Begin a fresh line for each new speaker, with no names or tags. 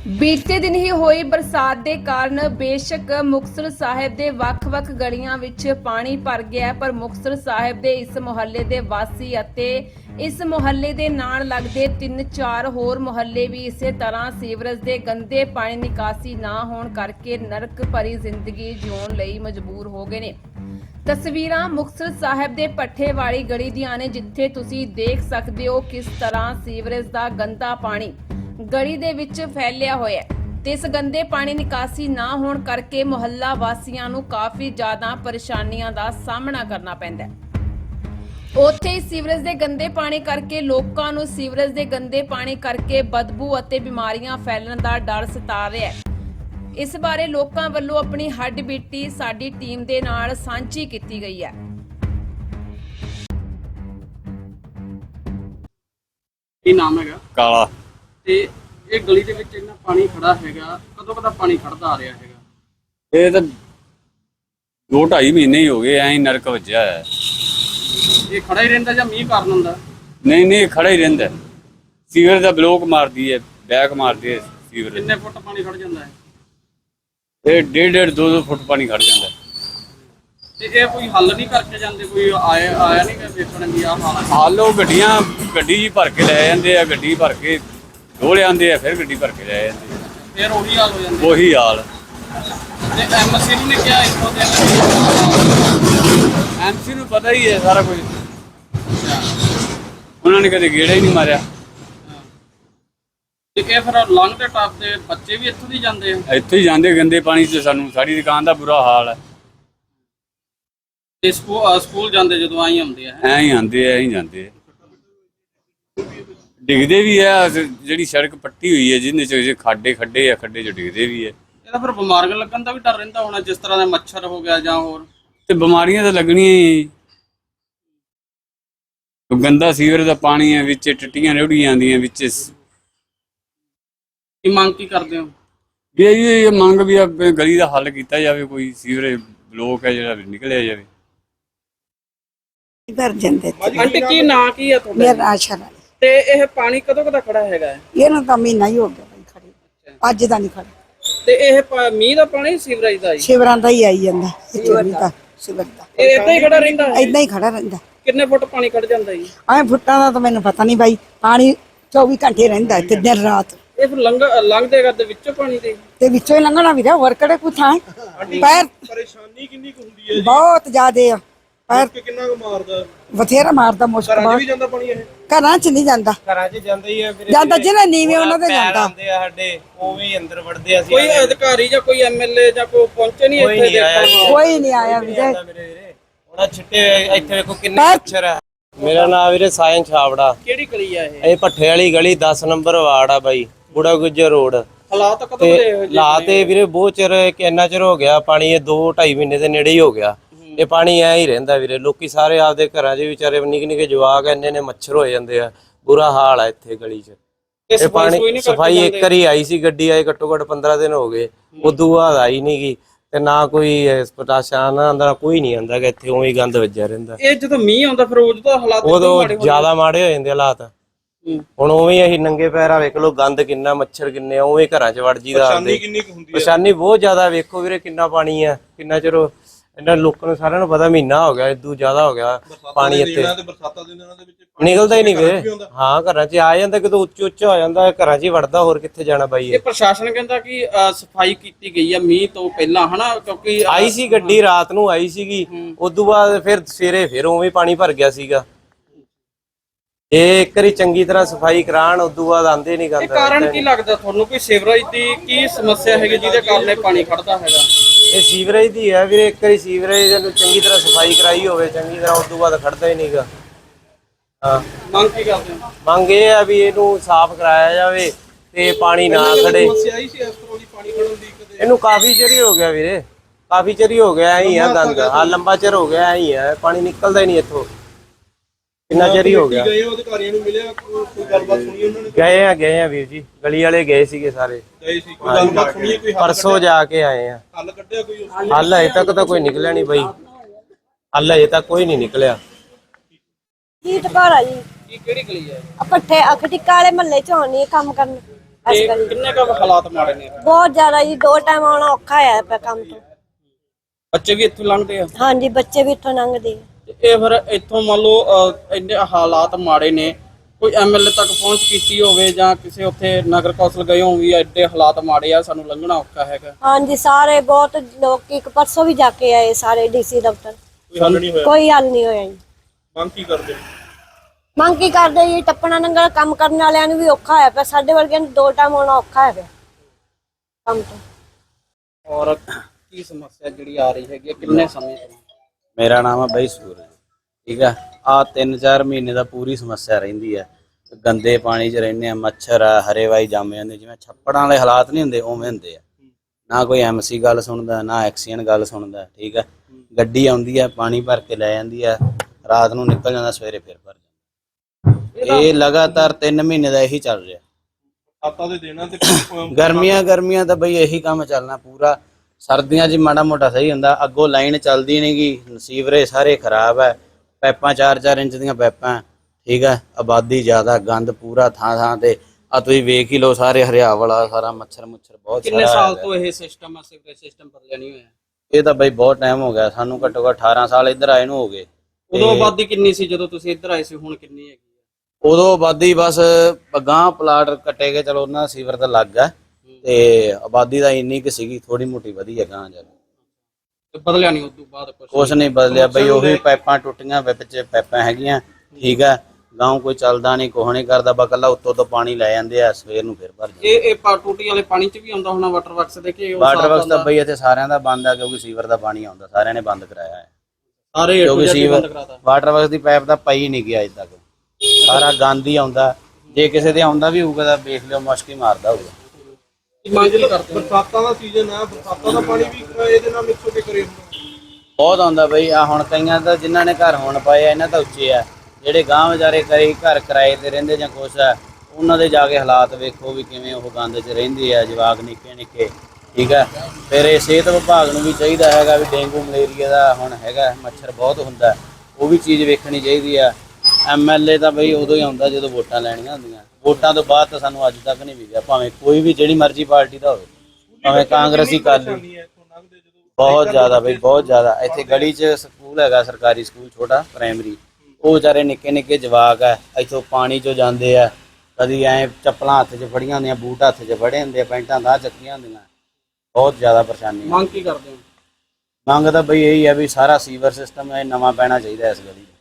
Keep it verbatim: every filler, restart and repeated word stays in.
ਬੀਤੇ ਦਿਨ ਹੀ ਹੋਈ ਬਰਸਾਤ ਦੇ ਕਾਰਨ ਬੇਸ਼ੱਕ ਮੁਕਤਸਰ ਸਾਹਿਬ ਦੇ ਵੱਖ-ਵੱਖ ਗਲੀਆਂ ਵਿੱਚ ਪਾਣੀ ਭਰ ਗਿਆ, ਪਰ ਮੁਕਤਸਰ ਸਾਹਿਬ ਦੇ ਇਸ ਮੁਹੱਲੇ ਦੇ ਵਾਸੀ ਅਤੇ ਇਸ ਮੁਹੱਲੇ ਦੇ ਨਾਲ ਲੱਗਦੇ ਤਿੰਨ ਚਾਰ ਹੋਰ ਮੁਹੱਲੇ ਵੀ ਇਸੇ ਤਰ੍ਹਾਂ ਸੀਵਰੇਜ ਦੇ ਗੰਦੇ ਪਾਣੀ ਨਿਕਾਸੀ ਨਾ ਹੋਣ ਕਰਕੇ ਨਰਕ ਭਰੀ ਜ਼ਿੰਦਗੀ ਜਿਉਣ ਲਈ ਮਜਬੂਰ ਹੋ ਗਏ ਨੇ। ਤਸਵੀਰਾਂ ਮੁਕਤਸਰ ਸਾਹਿਬ ਦੇ ਪੱਠੇ ਵਾਲੀ ਗਲੀ ਦੀਆਂ ਨੇ, ਜਿੱਥੇ ਤੁਸੀਂ ਦੇਖ ਸਕਦੇ ਹੋ ਕਿਸ ਤਰ੍ਹਾਂ ਸੀਵਰੇਜ ਦਾ ਗੰਦਾ ਪਾਣੀ ਗਲੀ ਦੇ ਵਿੱਚ ਫੈਲਿਆ ਹੋਇਆ ਹੈ ਤੇ ਇਸ ਗੰਦੇ ਪਾਣੀ ਨਿਕਾਸੀ ਨਾ ਹੋਣ ਕਰਕੇ ਮੁਹੱਲਾ ਵਾਸੀਆਂ ਨੂੰ ਕਾਫੀ ਜ਼ਿਆਦਾ ਪਰੇਸ਼ਾਨੀਆਂ ਦਾ ਸਾਹਮਣਾ ਕਰਨਾ ਪੈਂਦਾ ਹੈ। ਉੱਥੇ ਹੀ ਸੀਵਰੇਜ ਦੇ ਗੰਦੇ ਪਾਣੀ ਕਰਕੇ ਲੋਕਾਂ ਨੂੰ ਸੀਵਰੇਜ ਦੇ ਗੰਦੇ ਪਾਣੀ ਕਰਕੇ ਬਦਬੂ ਅਤੇ ਬਿਮਾਰੀਆਂ ਫੈਲਣ ਦਾ ਡਰ ਸਤਾ ਰਿਹਾ ਹੈ। ਇਸ ਬਾਰੇ ਲੋਕਾਂ ਵੱਲੋਂ ਆਪਣੀ ਹੱਡ ਬੀਤੀ ਸਾਡੀ ਟੀਮ ਦੇ ਨਾਲ ਸਾਂਝੀ ਕੀਤੀ ਗਈ ਹੈ।
ਕੀ ਨਾਮ ਹੈਗਾ?
ਕਾਲਾ।
ਤੇ ਇਹ ਗਲੀ ਦੇ ਵਿੱਚ ਇੰਨਾ ਪਾਣੀ ਖੜਾ ਹੈਗਾ, ਕਦੋਂ ਕਦਾ ਪਾਣੀ ਖੜਦਾ ਆ ਰਿਹਾ ਹੈਗਾ?
ਇਹ ਤਾਂ ਦੋ ਢਾਈ ਮਹੀਨੇ ਹੀ ਹੋ ਗਏ ਐਂ ਹੀ ਨਰਕ ਵੱਜਿਆ ਹੈ।
ਇਹ ਖੜਾ ਹੀ ਰਹਿੰਦਾ ਜਾਂ ਮੀਂਹ ਕਾਰਨ ਹੁੰਦਾ?
ਨਹੀਂ ਨਹੀਂ ਖੜਾ ਹੀ ਰਹਿੰਦਾ। ਸੀਵਰ ਦਾ ਬਲੋਕ ਮਾਰਦੀ ਹੈ, ਬੈਕ ਮਾਰਦੀ ਹੈ ਸੀਵਰ।
ਕਿੰਨੇ ਫੁੱਟ ਪਾਣੀ ਖੜ ਜਾਂਦਾ ਹੈ?
ਇਹ ਡੇਢ ਡੇਢ ਦੋ ਦੋ ਫੁੱਟ ਪਾਣੀ ਖੜ ਜਾਂਦਾ।
ਤੇ ਇਹ ਕੋਈ ਹੱਲ ਨਹੀਂ ਕਰਕੇ ਜਾਂਦੇ? ਕੋਈ ਆਇਆ ਆਇਆ ਨਹੀਂ ਕਿ ਵੇਖਣ ਵੀ ਆਹ ਹਾਲ ਹੈ?
ਹਾਲੋ ਗੱਡੀਆਂ ਗੱਡੀ ਜੀ ਭਰ ਕੇ ਲੈ ਜਾਂਦੇ ਆ, ਗੱਡੀ ਭਰ ਕੇ ਢੋਲ ਆਉਂਦੇ ਆ, ਫਿਰ ਗੱਡੀ ਭਰ ਕੇ ਲੈ ਜਾਂਦੇ ਆ।
ਫਿਰ ਉਹੀ ਹਾਲ ਹੋ ਜਾਂਦਾ?
ਉਹੀ ਹਾਲ।
ਤੇ ਐਮਸੀ ਨੇ ਕਿਹਾ ਇੱਥੋਂ ਦੇ
ਐਮਸੀ ਨੂੰ ਪਤਾ ਹੀ ਹੈ ਸਾਰਾ ਕੁਝ, ਉਹਨਾਂ ਨੇ ਕਦੇ ਗੇੜਾ ਹੀ ਨਹੀਂ ਮਾਰਿਆ।
ਤੇ ਇਹ ਫਿਰ ਲੰਘਦੇ ਟੱਪਦੇ ਬੱਚੇ ਵੀ ਇੱਥੋਂ ਦੀ ਜਾਂਦੇ ਆ?
ਇੱਥੇ ਹੀ ਜਾਂਦੇ ਗੰਦੇ ਪਾਣੀ 'ਚ। ਸਾਨੂੰ ਸਾਡੀ ਦੁਕਾਨ ਦਾ ਬੁਰਾ ਹਾਲ ਹੈ।
ਤੇ ਸਕੂਲ ਸਕੂਲ ਜਾਂਦੇ ਜਦੋਂ ਆਈ ਹੁੰਦੇ ਆ?
ਐਂ ਹੀ ਆਉਂਦੇ ਐ ਹੀ ਜਾਂਦੇ। ਡਿੱਗਦੇ ਵੀ ਆ, ਜਿਹੜੀ ਸੜਕ ਪੱਟੀ ਹੋਈ ਹੈ ਜਿਹਦੇ ਚ ਖਾਡੇ ਖੱਡੇ ਆ, ਖੱਡੇ ਚ ਡਿੱਗਦੇ ਵੀ ਆ।
ਇਹਦਾ ਫਿਰ ਬਿਮਾਰੀਆਂ ਲੱਗਣ ਦਾ ਵੀ ਡਰ ਰਹਿੰਦਾ ਹੋਣਾ, ਜਿਸ ਤਰ੍ਹਾਂ ਦਾ ਮੱਛਰ ਹੋ ਗਿਆ ਜਾਂ ਹੋਰ?
ਤੇ ਬਿਮਾਰੀਆਂ ਤਾਂ ਲੱਗਣੀਆਂ ਹੀ। ਗੰਦਾ ਸੀਵਰ ਦਾ ਪਾਣੀ ਹੈ, ਵਿੱਚ ਟੱਟੀਆਂ ਰੁੜੀ ਜਾਂਦੀਆਂ ਵਿੱਚ।
ਕੀ ਮੰਗ ਕੀ ਕਰਦੇ ਹੋ?
ਵੀ ਇਹ ਮੰਗ ਵੀ ਆ ਗਲੀ ਦਾ ਹੱਲ ਕੀਤਾ ਜਾਵੇ, ਕੋਈ ਸੀਵਰੇਜ ਬਲੋਕ ਹੈ ਜਿਹੜਾ ਨਿਕਲਿਆ ਜਾਵੇ।
ਭਰ ਜਾਂਦੇ ਤੇ
ਆਂਟੀ ਕੀ ਨਾਂ ਕੀ ਹੈ ਤੁਹਾਡਾ?
ਮੇਰਾ ਆਸ਼ਾ ਰਾਣੀ।
ਤੇ ਇਹ ਪਾਣੀ ਕਦੋਂ ਕਦਾ ਖੜਾ ਹੈਗਾ ਹੈ?
ਇਹਨੂੰ ਤਾਂ ਮਹੀਨਾ ਹੀ ਹੋ ਗਿਆ ਬਈ ਖੜੇ, ਅੱਜ ਦਾ ਨਹੀਂ ਖੜਾ।
ਤੇ ਇਹ ਪ- ਮੀਂਹ ਦਾ ਪਾਣੀ ਸੀਵਰੇਜ ਦਾ ਹੀ?
ਸ਼ਿਵਰਾਂ ਦਾ ਹੀ ਆਈ ਜਾਂਦਾ ਇੱਥੇ ਵੀ ਤਾਂ ਸਿਵਰ ਦਾ
ਇਹ ਏਦਾਂ ਹੀ ਖੜਾ ਰਹਿੰਦਾ ਹੈ?
ਏਦਾਂ ਹੀ ਖੜਾ ਰਹਿੰਦਾ।
ਕਿੰਨੇ ਫੁੱਟ ਪਾਣੀ ਕੱਢ ਜਾਂਦਾ ਜੀ?
ਐ ਫੁੱਟਾਂ ਦਾ ਤਾਂ ਮੈਨੂੰ ਪਤਾ ਨਹੀਂ ਬਾਈ, ਪਾਣੀ ਚੌਵੀ ਘੰਟੇ ਰਹਿੰਦਾ ਇੱਥੇ ਦਿਨ ਰਾਤ।
ਇਹ ਫਿਰ ਲੰਘ ਲੰਘਦੇਗਾ ਤੇ ਵਿੱਚੋਂ ਪਾਣੀ ਦੇ?
ਤੇ ਵਿੱਚੋਂ ਹੀ ਲੰਘਣਾ ਵੀਰੇ, ਹੋਰ ਕਿਹੜੇ ਕੋਈ ਥਾਂ ਹੈ? ਪੈਰ
ਪਰੇਸ਼ਾਨੀ ਕਿੰਨੀ ਕੁ ਹੁੰਦੀ ਹੈ?
ਬਹੁਤ ਜ਼ਿਆਦੇ ਆ। ਪੈਰ
ਕਿੰਨਾ ਕੁ ਮਾਰਦਾ?
ਬਥੇਰਾ ਮਾਰਦਾ ਮੁਸ਼ਕਲ।
ਘਰਾਂ 'ਚ ਵੀ ਜਾਂਦਾ ਪਾਣੀ ਇਹ?
ਘਰਾਂ 'ਚ ਨਹੀਂ ਜਾਂਦਾ।
ਘਰਾਂ 'ਚ ਜਾਂਦਾ ਹੀ ਆ ਵੀਰੇ।
ਜਾਂਦਾ ਜਿਹਨੇ ਨੀਵੇਂ ਉਹਨਾਂ ਦੇ ਜਾਂਦਾ।
ਆਉਂਦੇ ਆ ਸਾਡੇ, ਉਵੇਂ ਹੀ ਅੰਦਰ ਵੜਦੇ ਆ। ਅਸੀਂ
ਕੋਈ ਅਧਿਕਾਰੀ ਜਾਂ ਕੋਈ ਐਮਐਲਏ ਜਾਂ ਕੋਈ ਪਹੁੰਚੇ ਨਹੀਂ
ਕੋਈ
ਇੱਥੇ
ਨਹੀਂ ਆਇਆ
ਦੇਖਣ?
ਕੋਈ ਨਹੀਂ ਆਇਆ ਵੀਰੇ।
ਮੇਰੇ ਵੀਰੇ ਉਹਨਾਂ ਛਿੱਟੇ ਇੱਥੇ ਵੇਖੋ ਕਿੰਨੇ ਮੱਛਰ ਆ। ਮੇਰਾ ਨਾਮ ਵੀਰੇ ਸਾਇਨ ਛਾਵੜਾ।
ਕਿਹੜੀ ਗਲੀ ਆ ਇਹ?
ਇਹ ਭੱਠੇ ਵਾਲੀ ਗਲੀ ਦਸ ਨੰਬਰ ਵਾਰਡ ਆ ਬਾਈ, ਬੁੜਾ ਗੁੱਜਰ ਰੋਡ।
ਹਾਲਾਤ ਕਦੋਂ
ਤੇ
ਦੇ ਇਹੋ ਜਿਹੇ
ਲਾ ਤੇ ਵੀਰੇ ਬਹੁਤ ਚਿਰ, ਕਿੰਨਾ ਚਿਰ ਹੋ ਗਿਆ ਪਾਣੀ, ਇਹ ਦੋ ਢਾਈ ਮਹੀਨੇ ਦੇ ਨੇੜੇ ਹੀ ਹੋ ਗਿਆ। ਇਹ ਪਾਣੀ ਐ ਹੀ ਰਹਿੰਦਾ ਵੀਰੇ। ਲੋਕੀ ਸਾਰੇ ਆਪਦੇ ਘਰਾਂ 'ਚ ਵਿਚਾਰੇ ਨਿੱਕੇ ਨਿੱਕੇ ਜਵਾਕ, ਇੰਨੇ ਨੇ ਮੱਛਰ ਹੋ ਜਾਂਦੇ ਆ। ਬੁਰਾ ਹਾਲ ਆ ਇੱਥੇ ਗਲੀ 'ਚ। ਇਹ ਪਾਣੀ ਸਫਾਈ ਇੱਕ ਵਾਰੀ ਆਈ ਸੀ, ਗੱਡੀ ਆਈ, ਘੱਟੋ ਘੱਟ ਪੰਦਰਾਂ ਦਿਨ ਹੋ ਗਏ, ਉਦੋਂ ਬਾਅਦ ਆਈ ਨੀ ਗੀ। ਤੇ ਨਾ ਕੋਈ ਪ੍ਰਸ਼ਾਸਨ ਆਂਦਾ, ਕੋਈ ਨਹੀਂ ਆਂਦਾ ਕਿ ਇੱਥੇ ਉਵੇਂ ਗੰਦ ਵੱਜਿਆ ਰਹਿੰਦਾ।
ਇਹ ਜਦੋਂ ਮੀਂਹ ਆਉਂਦਾ ਫਿਰ ਉਦੋਂ ਤਾਂ ਹਾਲਾਤ
ਉਦੋਂ ਜ਼ਿਆਦਾ ਮਾੜੇ ਹੋ ਜਾਂਦੇ ਹਾਲਾਤ। ਹੁਣ ਉਵੇਂ ਅਸੀਂ ਨੰਗੇ ਪੈਰਾਂ ਵੇਖ ਲਓ, ਗੰਦ ਕਿੰਨਾ, ਮੱਛਰ ਕਿੰਨੇ, ਉਵੇਂ ਘਰਾਂ 'ਚ ਵੜ ਜੀਦਾ।
ਪਰੇਸ਼ਾਨੀ ਕਿੰਨੀ ਕੁ ਹੁੰਦੀ ਹੈ?
ਪਰੇਸ਼ਾਨੀ ਬਹੁਤ ਜ਼ਿਆਦਾ। ਵੇਖੋ ਵੀਰੇ ਕਿੰਨਾ ਪਾਣੀ ਆ, ਕਿੰਨਾ ਚਿਰ ਇਹਨਾਂ ਲੋਕਾਂ ਨੂੰ ਸਾਰਿਆਂ ਨੂੰ ਪਤਾ ਮਹੀਨਾ ਹੋ ਗਿਆ, ਇਦੋਂ ਜ਼ਿਆਦਾ ਹੋ ਗਿਆ ਪਾਣੀ ਇੱਥੇ।
ਬਰਸਾਤਾਂ ਦੇ ਦਿਨਾਂ ਦੇ ਵਿੱਚ
ਨਿਕਲਦਾ ਹੀ ਨਹੀਂ ਵੀਰੇ। ਹਾਂ ਘਰਾਂ 'ਚ ਆ ਜਾਂਦਾ, ਕਿਤੇ ਉੱਚ ਉੱਚਾ ਹੋ ਜਾਂਦਾ, ਘਰਾਂ 'ਚ ਹੀ ਵੜਦਾ, ਹੋਰ ਕਿੱਥੇ ਜਾਣਾ ਬਾਈ।
ਇਹ ਪ੍ਰਸ਼ਾਸਨ ਕਹਿੰਦਾ ਕਿ ਅ, ਸਫਾਈ ਕੀਤੀ ਗਈ ਆ ਮੀਂਹ ਤੋਂ ਪਹਿਲਾਂ, ਹਨਾ? ਕਿਉਂਕਿ ਅ,
ਆਈ ਸੀ ਗੱਡੀ, ਰਾਤ ਨੂੰ ਆਈ ਸੀਗੀ, ਉਦੋਂ ਬਾਅਦ ਫਿਰ ਸਵੇਰੇ ਫਿਰ ਉਵੇਂ ਪਾਣੀ ਭਰ ਗਿਆ ਸੀਗਾ। ਇਹ ਇੱਕ ਵਾਰੀ ਚੰਗੀ ਤਰ੍ਹਾਂ ਸਫਾਈ ਕਰਾਣ, ਉਦੋਂ ਬਾਅਦ ਆਂਦੇ ਨਹੀਂ
ਇਹ
ਗੰਦ।
ਕਾਰਨ ਕੀ ਲੱਗਦਾ ਤੁਹਾਨੂੰ? ਕੋਈ ਸੀਵਰੇਜ ਦੀ ਕੀ ਸਮੱਸਿਆ ਹੈਗੀ ਜਿਹਦੇ ਕਾਰਨ ਇਹ ਪਾਣੀ ਖੜਦਾ ਹੈਗਾ?
ਇਹ ਸੀਵਰੇਜ ਦੀ ਹੈ ਵੀਰੇ। ਇੱਕ ਵਾਰੀ ਸੀਵਰੇਜ ਨੂੰ ਚੰਗੀ ਤਰ੍ਹਾਂ ਸਫਾਈ ਕਰਾਈ ਹੋਵੇ ਚੰਗੀ ਤਰ੍ਹਾਂ, ਉਦੋਂ ਬਾਅਦ ਖੜਦਾ ਹੀ ਨਹੀਂਗਾ। ਹਾਂ
ਮੰਗ ਕੀ ਕਰਦੇ ਹੋ?
ਮੰਗ ਇਹ ਆ ਵੀ ਇਹਨੂੰ ਸਾਫ਼ ਕਰਾਇਆ ਜਾਵੇ ਤੇ ਪਾਣੀ ਨਾ ਖੜੇ।
ਸਮੱਸਿਆ ਆਈ ਸੀ ਇਸ ਤਰ੍ਹਾਂ ਦੀ ਪਾਣੀ ਖੜਨ ਦੀ ਕਦੇ?
ਇਹਨੂੰ ਕਾਫੀ ਚਿਰ ਹੀ ਹੋ ਗਿਆ ਵੀਰੇ, ਕਾਫੀ ਚਿਰ ਹੀ ਹੋ ਗਿਆ ਐਂ ਹੀ ਆ ਗੰਦ। ਹਾਂ ਲੰਬਾ ਚਿਰ ਹੋ ਗਿਆ ਐਂ ਹੀ ਆ, ਪਾਣੀ ਨਿਕਲਦਾ ਹੀ ਨਹੀਂ ਇੱਥੋਂ, ਕਿੰਨਾ ਚਿਰ ਹੀ ਹੋ ਗਿਆ।
ਗਏ ਅਧਿਕਾਰੀਆਂ ਨੂੰ ਮਿਲਿਆ, ਕੋਈ ਗੱਲਬਾਤ ਸੁਣੀ ਉਹਨਾਂ ਨੇ?
ਗਏ ਆ ਗਏ ਆ ਵੀਰ ਜੀ, ਗਲੀ ਵਾਲੇ ਗਏ ਸੀਗੇ ਸਾਰੇ।
ਗਏ ਸੀ, ਕੋਈ ਗੱਲਬਾਤ ਸੁਣੀ? ਕੋਈ ਹੱਲ
ਪਰਸੋਂ ਜਾ ਕੇ ਆਏ ਆ।
ਹੱਲ ਕੱਢਿਆ ਕੋਈ?
ਹੱਲ ਅਜੇ ਤੱਕ ਤਾਂ ਕੋਈ ਨਿਕਲਿਆ ਨਹੀਂ ਬਾਈ, ਹੱਲ ਅਜੇ ਤੱਕ ਕੋਈ ਨਹੀਂ ਨਿਕਲਿਆ।
ਕੀ ਟਕਾਲਾ ਜੀ?
ਕੀ ਕਿਹੜੀ ਗਲੀ ਹੈ?
ਆ ਪੱਠੇ ਅਖਟਿੱਕਾ ਵਾਲੇ ਮਹੱਲੇ ਚ ਆਉਣੀ ਕੰਮ ਕਰਨ।
ਤੇ
ਇਸ ਗਲੀ
ਕਿੰਨੇ ਕੁ ਹਾਲਾਤ ਮਾੜੇ ਨੇ?
ਬਹੁਤ ਜ਼ਿਆਦਾ ਜੀ, ਦੋ ਟਾਈਮ ਆਉਣਾ ਔਖਾ ਹੋਇਆ ਪਿਆ ਕੰਮ ਤੋਂ।
ਬੱਚੇ ਵੀ ਇੱਥੋਂ ਲੰਘਦੇ ਆ
ਹਾਂਜੀ, ਬੱਚੇ ਵੀ ਇੱਥੋਂ ਲੰਘਦੇ ਆ।
ਤੇ ਇਹ ਫਿਰ ਇੱਥੋਂ ਮੰਨ ਲਓ ਅਹ, ਇੰਨੇ ਹਾਲਾਤ ਮਾੜੇ ਨੇ, ਕੋਈ ਐਮਐਲਏ ਤੱਕ ਪਹੁੰਚ ਕੀਤੀ ਹੋਵੇ ਜਾਂ ਕਿਸੇ ਉੱਥੇ ਨਗਰ ਕੌਂਸਲ ਗਏ ਹੋਣ ਵੀ ਐਡੇ ਹਾਲਾਤ ਮਾੜੇ ਆ, ਸਾਨੂੰ ਲੰਘਣਾ ਔਖਾ ਹੈਗਾ,
ਹਾਂਜੀ, ਸਾਰੇ ਬਹੁਤ ਲੋਕ ਇੱਕ ਪਰਸੋਂ ਵੀ ਜਾ ਕੇ ਆਏ ਸਾਰੇ ਡੀਸੀ ਦਫ਼ਤਰ,
ਕੋਈ ਹੱਲ ਨਹੀਂ ਹੋਇਆ।
ਕੋਈ ਹੱਲ ਨਹੀਂ ਹੋਇਆ ਜੀ।
ਮੰਗ ਕੀ ਕਰਦੇ ਹੋ?
ਮੰਗ ਕੀ ਕਰਦੇ ਜੀ, ਟੱਪਣਾ ਨੰਗਲ ਕੰਮ ਕਰਨ ਵਾਲਿਆਂ ਨੂੰ ਵੀ ਔਖਾ ਹੋਇਆ ਪਿਆ, ਸਾਡੇ ਵਰਗਿਆਂ ਨੂੰ ਦੋ ਟਾਈਮ ਆਉਣਾ ਔਖਾ ਹੋਇਆ ਪਿਆ ਕੰਮ ਤੋਂ।
ਔਰ ਕੀ ਸਮੱਸਿਆ ਜਿਹੜੀ ਆ ਰਹੀ ਹੈਗੀ ਹੈ, ਕਿੰਨੇ ਸਮੇਂ ਤੋਂ?
ਮੇਰਾ ਨਾਮ ਹੈ ਬਈ ਸੂਰਜ, ਠੀਕ ਆ। ਆ ਤਿੰਨ ਚਾਰ ਮਹੀਨੇ ਦਾ ਪੂਰੀ ਸਮੱਸਿਆ ਰਹਿੰਦੀ ਹੈ। ਗੰਦੇ ਪਾਣੀ 'ਚ ਰਹਿੰਦੇ ਆ, ਮੱਛਰ ਆ, ਹਰੇਵਾਈ ਜੰਮ ਜਾਂਦੇ, ਜਿਵੇਂ ਛੱਪੜਾਂ ਵਾਲੇ ਹਾਲਾਤ ਨਹੀਂ ਹੁੰਦੇ ਉਵੇਂ ਹੁੰਦੇ ਆ। ਨਾ ਕੋਈ ਐਮਸੀ ਗੱਲ ਸੁਣਦਾ, ਨਾ ਐਕਸੀਅਨ ਗੱਲ ਸੁਣਦਾ, ਠੀਕ ਆ। ਗੱਡੀ ਆਉਂਦੀ ਆ, ਪਾਣੀ ਭਰ ਕੇ ਲੈ ਜਾਂਦੀ ਆ, ਰਾਤ ਨੂੰ ਨਿਕਲ ਜਾਂਦਾ, ਸਵੇਰੇ ਫਿਰ ਭਰ ਜਾਂਦਾ। ਇਹ ਲਗਾਤਾਰ ਤਿੰਨ ਮਹੀਨੇ ਦਾ ਇਹੀ ਚੱਲ ਰਿਹਾ।
ਆਤਾ ਦੇ ਦੇਣਾ ਤੇ
ਗਰਮੀਆਂ ਗਰਮੀਆਂ ਤਾਂ ਬਈ ਇਹੀ ਕੰਮ ਚੱਲਣਾ ਪੂਰਾ। ਸਰਦੀਆਂ 'ਚ ਮਾੜਾ ਮੋਟਾ ਸਹੀ ਹੁੰਦਾ। ਅੱਗੋਂ ਲਾਈਨ ਚੱਲਦੀ ਨੀ ਗੀ, ਸੀਵਰੇਜ ਸਾਰੇ ਖਰਾਬ ਹੈ, ਪੈਪਾਂ ਚਾਰ ਚਾਰ ਇੰਚ ਦੀਆਂ ਪੈਪਾਂ, ਠੀਕ ਹੈ। ਆਬਾਦੀ ਜ਼ਿਆਦਾ, ਗੰਦ ਪੂਰਾ ਥਾਂ ਥਾਂ ਤੇ। ਆ ਤੁਸੀਂ ਵੇਖ ਹੀ ਲਓ, ਸਾਰੇ ਹਰਿਆ ਵਾਲਾ ਸਾਰਾ ਮੱਛਰ ਮੁੱਛਰ ਬਹੁਤ
ਕਿੰਨੇ
ਸਾਰਾ
ਸਾਲ
ਹੈਗਾ।
ਤੋਂ ਇਹ ਸਿਸਟਮ ਆ, ਸੀਵਰੇਜ ਸਿਸਟਮ ਬਦਲਿਆ ਨਹੀਂ ਹੋਇਆ?
ਇਹ ਤਾਂ ਬਈ ਬਹੁਤ ਟਾਈਮ ਹੋ ਗਿਆ ਸਾਨੂੰ, ਘੱਟੋ ਘੱਟ ਅਠਾਰਾਂ ਸਾਲ ਇੱਧਰ ਆਏ ਨੂੰ ਹੋ ਗਏ।
ਉਦੋਂ
ਤੇ
ਆਬਾਦੀ ਕਿੰਨੀ ਸੀ ਜਦੋਂ ਤੁਸੀਂ ਇੱਧਰ ਆਏ ਸੀ, ਹੁਣ ਕਿੰਨੀ ਹੈਗੀ ਆ?
ਉਦੋਂ ਆਬਾਦੀ ਬਸ ਗਾਂ ਪਲਾਟ ਕੱਟੇ ਗਏ, ਚਲੋ ਉਹਨਾਂ ਦਾ ਸੀਵਰ ਤਾਂ ਲੱਗ ਗਿਆ, ਤੇ ਆਬਾਦੀ ਤਾਂ ਇੰਨੀ ਕੁ ਸੀਗੀ, ਥੋੜੀ ਮੋਟੀ ਵਧੀ ਹੈ ਗਾਂ ਜਾ ਕੇ।
ਤੇ ਬਦਲਿਆ ਨਹੀਂ ਉਦੋਂ ਬਾਅਦ ਕੁਛ?
ਕੁਛ ਨਹੀਂ ਬਦਲਿਆ ਬਈ, ਉਹੀ ਪਾਈਪਾਂ ਟੁੱਟੀਆਂ, ਵਿੱਚ ਪਾਈਪਾਂ ਹੈਗੀਆਂ, ਠੀਕ ਹੈ। ਗਾਉਂ ਕੋਈ ਚੱਲਦਾ ਨਹੀਂ, ਕੁਛ ਨਹੀਂ ਕਰਦਾ, ਬਸ ਇਕੱਲਾ ਉੱਤੋਂ ਤੋਂ ਪਾਣੀ ਲੈ ਜਾਂਦੇ ਆ, ਸਵੇਰ ਨੂੰ ਫਿਰ ਭਰ ਜਾਂਦੇ।
ਇਹ ਇਹ ਪਾ- ਟੂਟੀ ਵਾਲੇ ਪਾਣੀ 'ਚ ਵੀ ਆਉਂਦਾ ਹੋਣਾ ਵਾਟਰ ਵਰਕਸ ਦੇ ਕਿ ਉਹ
ਵਾਟਰ
ਸਾਫ਼
ਵਰਕਸ ਤਾਂ
ਆਉਂਦਾ?
ਬਈ ਇੱਥੇ ਸਾਰਿਆਂ ਦਾ ਬੰਦ ਆ, ਕਿਉਂਕਿ ਸੀਵਰ ਦਾ ਪਾਣੀ ਆਉਂਦਾ, ਸਾਰਿਆਂ ਨੇ ਬੰਦ ਕਰਾਇਆ ਹੈ।
ਸਾਰੇ A to
ਕਿਉਂਕਿ
Z ਹੀ ਬੰਦ
ਸੀਵਰ
ਕਰਾਤਾ।
ਵਾਟਰ ਵਰਕਸ ਦੀ ਪਾਈਪ ਤਾਂ ਪਈ ਨਹੀਂ ਗਿਆ ਅਜੇ ਤੱਕ, ਸਾਰਾ ਗੰਦ ਹੀ ਆਉਂਦਾ। ਜੇ ਕਿਸੇ ਦੇ ਆਉਂਦਾ ਵੀ ਹੋਊਗਾ ਤਾਂ ਵੇਖ ਲਿਓ, ਮੁਸ਼ਕ ਹੀ ਮਾਰਦਾ ਹੋਊਗਾ।
ਕੀ ਮੰਗ ਕੀ ਕਰਦੇ ਹੋ?
ਬਰਸਾਤਾਂ ਦਾ ਸੀਜ਼ਨ ਆ, ਬਰਸਾਤਾਂ ਦਾ ਪਾਣੀ ਵੀ ਇਹਦੇ ਨਾਲ ਮਿਕਸ ਹੋ ਕੇ ਕਰੇ ਹੁੰਦਾ।
ਬਹੁਤ ਆਉਂਦਾ ਬਈ। ਆ ਹੁਣ ਕਈਆਂ ਦਾ ਜਿਨ੍ਹਾਂ ਨੇ ਘਰ ਹੁਣ ਪਾਏ ਆ, ਇਹਨਾਂ ਤਾਂ ਉੱਚੇ ਆ। ਜਿਹੜੇ ਗਾਂ ਵਿਚਾਰੇ ਕਈ ਘਰ ਕਿਰਾਏ ਤੇ ਰਹਿੰਦੇ ਜਾਂ ਕੁਛ ਆ, ਉਹਨਾਂ ਦੇ ਜਾ ਕੇ ਹਾਲਾਤ ਵੇਖੋ ਵੀ ਕਿਵੇਂ ਉਹ ਗੰਦ 'ਚ ਰਹਿੰਦੇ ਆ, ਜਵਾਕ ਨਿੱਕੇ ਨਿੱਕੇ, ਠੀਕ ਹੈ। ਫਿਰ ਇਹ ਸਿਹਤ ਵਿਭਾਗ ਨੂੰ ਵੀ ਚਾਹੀਦਾ ਹੈਗਾ ਵੀ ਡੇਂਗੂ ਮਲੇਰੀਆ ਦਾ ਹੁਣ ਹੈਗਾ, ਮੱਛਰ ਬਹੁਤ ਹੁੰਦਾ, ਉਹ ਵੀ ਚੀਜ਼ ਵੇਖਣੀ ਚਾਹੀਦੀ ਆ। ਐਮਐਲਏ ਤਾਂ ਬਈ ਉਦੋਂ ਹੀ ਆਉਂਦਾ ਜਦੋਂ ਵੋਟਾਂ ਲੈਣੀਆਂ ਹੁੰਦੀਆਂ, ਵੋਟਾਂ ਤੋਂ ਬਾਅਦ ਤਾਂ ਸਾਨੂੰ ਅੱਜ ਤੱਕ ਨਹੀਂ ਵਿਖਿਆ, ਭਾਵੇਂ ਕੋਈ ਵੀ ਜਿਹੜੀ ਮਰਜ਼ੀ ਪਾਰਟੀ ਦਾ ਹੋਵੇ, ਭਾਵੇਂ ਕਾਂਗਰਸੀ ਅਕਾਲੀ। ਬਹੁਤ ਜ਼ਿਆਦਾ ਬਈ, ਬਹੁਤ ਜ਼ਿਆਦਾ। ਇੱਥੇ ਗਲੀ 'ਚ ਸਕੂਲ ਹੈਗਾ, ਸਰਕਾਰੀ ਸਕੂਲ ਛੋਟਾ ਪ੍ਰਾਇਮਰੀ, ਉਹ ਵਿਚਾਰੇ ਨਿੱਕੇ ਨਿੱਕੇ ਜਵਾਕ ਆ, ਇੱਥੋਂ ਪਾਣੀ 'ਚੋਂ ਜਾਂਦੇ ਆ, ਕਦੀ ਐਂ ਚੱਪਲਾਂ ਹੱਥ 'ਚ ਫੜੀਆਂ ਹੁੰਦੀਆਂ, ਬੂਟ ਹੱਥ 'ਚ ਫੜੇ ਹੁੰਦੇ ਆ, ਪੈਂਟਾਂ ਤਾਂ ਚੱਕੀਆਂ ਹੁੰਦੀਆਂ, ਬਹੁਤ ਜ਼ਿਆਦਾ ਪਰੇਸ਼ਾਨੀ।
ਮੰਗ ਕੀ ਕਰਦੇ ਹੋ?
ਮੰਗ ਤਾਂ ਬਈ ਇਹੀ ਹੈ ਵੀ ਸਾਰਾ ਸੀਵਰ ਸਿਸਟਮ ਇਹ ਨਵਾਂ ਪੈਣਾ ਚਾਹੀਦਾ ਇਸ ਗਲੀ 'ਚ।